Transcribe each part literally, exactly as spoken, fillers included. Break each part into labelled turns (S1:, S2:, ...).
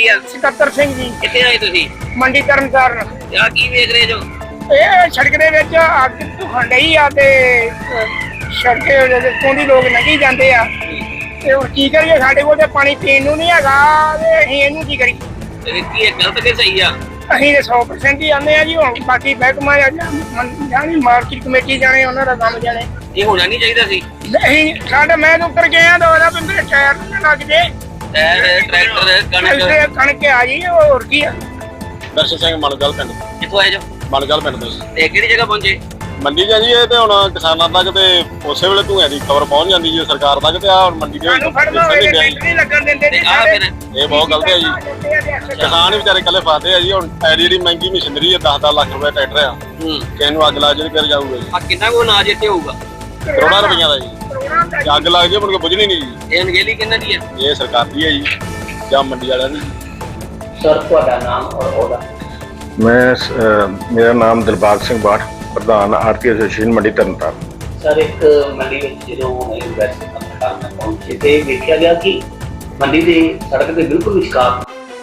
S1: ਕੀ ਆ?
S2: ਸਕੱਤਰ ਸਿੰਘ ਜੀ।
S1: ਕਿੱਥੇ ਆਏ ਤੁਸੀਂ?
S2: ਮੰਡੀ ਤਰਨਤਾਰਨ।
S1: ਆ ਕੀ ਵੇਖ ਰਹੇ ਜੋ?
S2: ਇਹ ਸੜਕ ਦੇ ਵਿੱਚ ਅੱਗ ਧੁਖਣ ਡਈ ਆ ਤੇ ਸੜਕ ਤੋਂ ਦੀ ਲੋਕ ਲੰਘੀ ਜਾਂਦੇ ਆ ਤੇ ਹੁਣ ਕੀ ਕਰੀਏ? ਸਾਡੇ ਕੋਲ ਤੇ ਪਾਣੀ ਪੀਣ ਨੂੰ ਨਹੀਂ ਹੈਗਾ ਤੇ ਅਸੀਂ ਇਹਨੂੰ ਕੀ ਕਰੀਏ?
S1: ਇਹ ਕੀ ਹੈ, ਗਲਤ ਕਿ ਸਹੀ ਆ?
S2: ਅਸੀਂ ਤੇ ਸੌ ਪ੍ਰਸੈਂਟ ਹੀ ਆਉਂਦੇ ਆ ਜੀ। ਹੁਣ ਬਾਕੀ ਮਹਿਕਮਾ ਜਾਣੀ ਮਾਰਕੀਟ ਕਮੇਟੀ ਜਾਣੇ, ਉਹਨਾਂ ਦਾ ਕੰਮ ਜਾਣੇ।
S1: ਇਹ ਹੋਣਾ ਨਹੀਂ ਚਾਹੀਦਾ ਸੀ।
S2: ਅਸੀਂ ਸਾਡੇ ਮੈਂ ਤਾਂ ਉੱਤਰ ਗਿਆ ਤਾਂ ਉਹਦਾ ਵੀ ਮੇਰੇ ਟਾਇਰ ਨਾ ਲੱਗ ਜੇ।
S1: ਟਾਇਰ ਟਰੈਕਟਰ ਕਣਕ
S2: ਕਣਕ ਆ ਜੀ, ਹੋਰ ਕੀ ਆ?
S3: ਦਰਸ਼ਨ ਸਿੰਘ ਮਲਗਲ ਪਿੰਡ।
S1: ਕਿੱਥੋਂ ਆਏ ਜੋ?
S3: ਮਲਗਲ ਪਿੰਡ ਤੋਂ।
S1: ਤੇ ਕਿਹੜੀ ਜਗ੍ਹਾ ਪਹੁੰਚੇ?
S3: ਮੰਡੀ ਚ ਜੀ। ਇਹ ਤੇ ਹੁਣ ਕਿਸਾਨਾਂ ਤੱਕ ਤੇ ਉਸੇ ਵੇਲੇ ਧੂਆਂ ਦੀ ਖਬਰ ਪਹੁੰਚ ਜਾਂਦੀ ਜੀ ਸਰਕਾਰ ਤੱਕ, ਤੇ ਆ ਹੁਣ ਮੰਡੀ ਦੇ
S2: ਸਾਨੂੰ ਫੜਨਾ ਹੋਵੇ ਟੈਂਟ ਨਹੀਂ ਲੱਗਣ ਦਿੰਦੇ ਜੀ।
S1: ਆ ਫਿਰ
S3: ਇਹ ਬਹੁਤ ਗਲਤ ਹੈ ਜੀ। ਕਿਸਾਨ ਹੀ ਵਿਚਾਰੇ ਇਕੱਲੇ ਫਸਦੇ ਆ ਜੀ। ਹੁਣ ਐਡੀ ਜਿਹੜੀ ਮਹਿੰਗੀ ਮਸ਼ੀਨਰੀ ਹੈ, ਦਸ ਦਸ ਲੱਖ ਰੁਪਏ ਟਰੈਕਟਰ ਆ,
S1: ਹੂੰ
S3: ਕਿਸੇ ਨੂੰ ਅੱਗ ਲੱਗ ਜੇ ਫਿਰ ਜਾਊਗਾ ਜੀ।
S1: ਆ ਕਿੰਨਾ ਕੋ ਅਨਾਜ ਇੱਥੇ ਹੋਊਗਾ?
S3: ਕਰੋੜਾਂ ਰੁਪਈਆਂ ਦਾ ਜੀ। ਜੇ ਅੱਗ ਲੱਗ ਜੇ ਮੁੜ ਕੇ ਬੁਝਣੀ ਨਹੀਂ ਜੀ।
S1: ਇਹ ਅਣਗਹਿਲੀ ਕਿਹਨਾਂ ਦੀ ਹੈ?
S3: ਇਹ ਸਰਕਾਰ ਦੀ ਹੈ ਜੀ ਜਾਂ ਮੰਡੀ ਵਾਲਿਆਂ ਦੀ।
S1: ਸਰ ਤੁਹਾਡਾ ਨਾਮ ਔਰ ਉਹਦਾ?
S4: ਮੈਂ ਅ, ਮੇਰਾ ਨਾਮ ਦਿਲਬਾਗ ਸਿੰਘ ਬਾਠ, ਪ੍ਰਧਾਨ ਆਰਤੀ ਐਸੋਸੀਏਸ਼ਨ ਮੰਡੀ ਤਰਨਤਾਰਨ।
S5: ਸਰ ਇੱਕ ਮੰਡੀ ਵਿੱਚ ਜਦੋਂ ਇਨਵੈਸਟਮੈਂਟ ਪਹੁੰਚੇ ਤੇ ਵੇਖਿਆ ਗਿਆ ਕਿ ਮੰਡੀ ਦੇ ਸੜਕ ਦੇ ਬਿਲਕੁਲ ਵਿਚਕਾਰ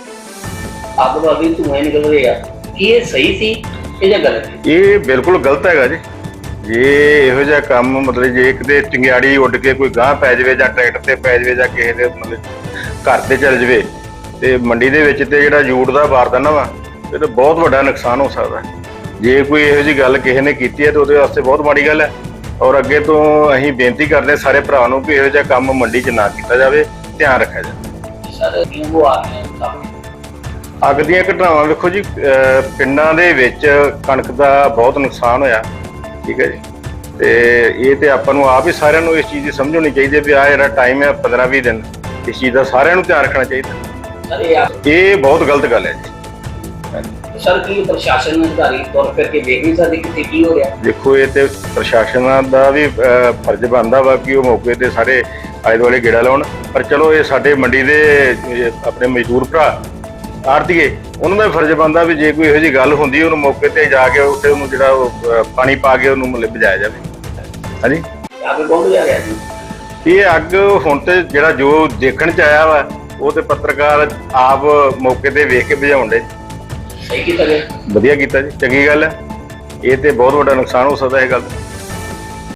S5: ਅੱਗ ਵਾਲੀ ਧੂਏ ਨਿਕਲ ਰਹੇ ਆ। ਕੀ ਇਹ ਸਹੀ ਸੀ ਇਹ ਜਾਂ ਗਲਤ ਹੈ?
S4: ਇਹ ਬਿਲਕੁਲ ਗਲਤ ਹੈਗਾ ਜੀ। ਜੇ ਇਹੋ ਜਿਹਾ ਕੰਮ ਮਤਲਬ ਜੇ ਕਿਤੇ ਚਿੰਗਿਆੜੀ ਉੱਡ ਕੇ ਕੋਈ ਗਾਂਹ ਪੈ ਜਾਵੇ ਜਾਂ ਟਰੈਕਟਰ ਤੇ ਪੈ ਜਾਵੇ ਜਾਂ ਕਿਸੇ ਦੇ ਮਤਲਬ ਘਰ ਤੇ ਚੱਲ ਜਾਵੇ ਤੇ ਮੰਡੀ ਦੇ ਵਿੱਚ ਤੇ ਜਿਹੜਾ ਜੂੜ ਦਾ ਬਾਰਦਾਨਾ ਵਾ ਇਹ ਤਾਂ ਬਹੁਤ ਵੱਡਾ ਨੁਕਸਾਨ ਹੋ ਸਕਦਾ। ਜੇ ਕੋਈ ਇਹੋ ਜਿਹੀ ਗੱਲ ਕਿਸੇ ਨੇ ਕੀਤੀ ਹੈ ਤਾਂ ਉਹਦੇ ਵਾਸਤੇ ਬਹੁਤ ਮਾੜੀ ਗੱਲ ਹੈ। ਔਰ ਅੱਗੇ ਤੋਂ ਅਸੀਂ ਬੇਨਤੀ ਕਰਦੇ ਸਾਰੇ ਭਰਾ ਨੂੰ ਕਿ ਇਹੋ ਜਿਹਾ ਕੰਮ ਮੰਡੀ 'ਚ ਨਾ ਕੀਤਾ ਜਾਵੇ, ਧਿਆਨ ਰੱਖਿਆ ਜਾਵੇ।
S5: ਸਰ ਕਿਉਂ ਆ ਰਹੇ
S4: ਅੱਗ ਦੀਆਂ ਘਟਨਾਵਾਂ ਵੇਖੋ ਜੀ, ਪਿੰਡਾਂ ਦੇ ਵਿੱਚ ਕਣਕ ਦਾ ਬਹੁਤ ਨੁਕਸਾਨ ਹੋਇਆ, ਠੀਕ ਹੈ ਜੀ। ਤੇ ਇਹ ਤੇ ਆਪਾਂ ਨੂੰ ਆਪ ਹੀ ਸਾਰਿਆਂ ਨੂੰ ਇਸ ਚੀਜ਼ ਦੀ ਸਮਝ ਹੋਣੀ ਚਾਹੀਦੀ ਹੈ ਵੀ ਆਹ ਜਿਹੜਾ ਟਾਈਮ ਹੈ ਪੰਦਰਾਂ ਵੀਹ ਦਿਨ, ਇਸ ਚੀਜ਼ ਦਾ ਸਾਰਿਆਂ ਨੂੰ ਧਿਆਨ ਰੱਖਣਾ ਚਾਹੀਦਾ।
S5: ਸਰ ਇਹ
S4: ਇਹ ਬਹੁਤ ਗਲਤ ਗੱਲ ਹੈ ਜੀ।
S5: ਸਰ ਕੀ ਪ੍ਰਸ਼ਾਸਨ ਅਧਿਕਾਰੀ ਤੁਰ ਫਿਰ ਕੇ ਵੇਖ ਨਹੀਂ ਸਕਦੇ ਕਿੱਥੇ ਕੀ ਹੋ ਰਿਹਾ?
S4: ਦੇਖੋ ਇਹ ਤੇ ਪ੍ਰਸ਼ਾਸਨਾਂ ਦਾ ਵੀ ਫਰਜ਼ ਬਣਦਾ ਵਾ ਕਿ ਉਹ ਮੌਕੇ ਤੇ ਸਾਰੇ ਆਲੇ ਦੁਆਲੇ ਗੇੜਾ ਲਾਉਣ। ਪਰ ਚਲੋ ਇਹ ਸਾਡੇ ਮੰਡੀ ਦੇ ਆਪਣੇ ਮਜ਼ਦੂਰ ਭਰਾ ਆੜ੍ਹਤੀਏ, ਉਹਨਾਂ ਦਾ ਫਰਜ਼ ਬਣਦਾ ਵੀ ਜੇ ਕੋਈ ਇਹੋ ਜਿਹੀ ਗੱਲ ਹੁੰਦੀ ਉਹਨੂੰ ਮੌਕੇ ਤੇ ਜਾ ਕੇ ਉੱਥੇ ਉਹਨੂੰ ਜਿਹੜਾ ਉਹ ਪਾਣੀ ਪਾ ਕੇ ਉਹਨੂੰ ਮਤਲਬ ਬੁਝਾਇਆ ਜਾਵੇ। ਹਾਂਜੀ
S5: ਅੱਗ ਕੌਣ ਜਾ ਰਿਹਾ ਜੀ?
S4: ਇਹ ਅੱਗ ਹੁਣ ਤੇ ਜਿਹੜਾ ਜੋ ਦੇਖਣ ਚ ਆਇਆ ਵਾ ਉਹ ਤੇ ਪੱਤਰਕਾਰ ਆਪ ਮੌਕੇ ਤੇ ਵੇਖ ਕੇ ਬੁਝਾਉਣ ਦੇ।
S5: ਸਹੀ ਕੀਤਾ ਗਿਆ?
S4: ਵਧੀਆ ਕੀਤਾ ਜੀ, ਚੰਗੀ ਗੱਲ ਹੈ। ਇਹ ਤੇ ਬਹੁਤ ਵੱਡਾ ਨੁਕਸਾਨ ਹੋ ਸਕਦਾ ਇਹ ਗੱਲ।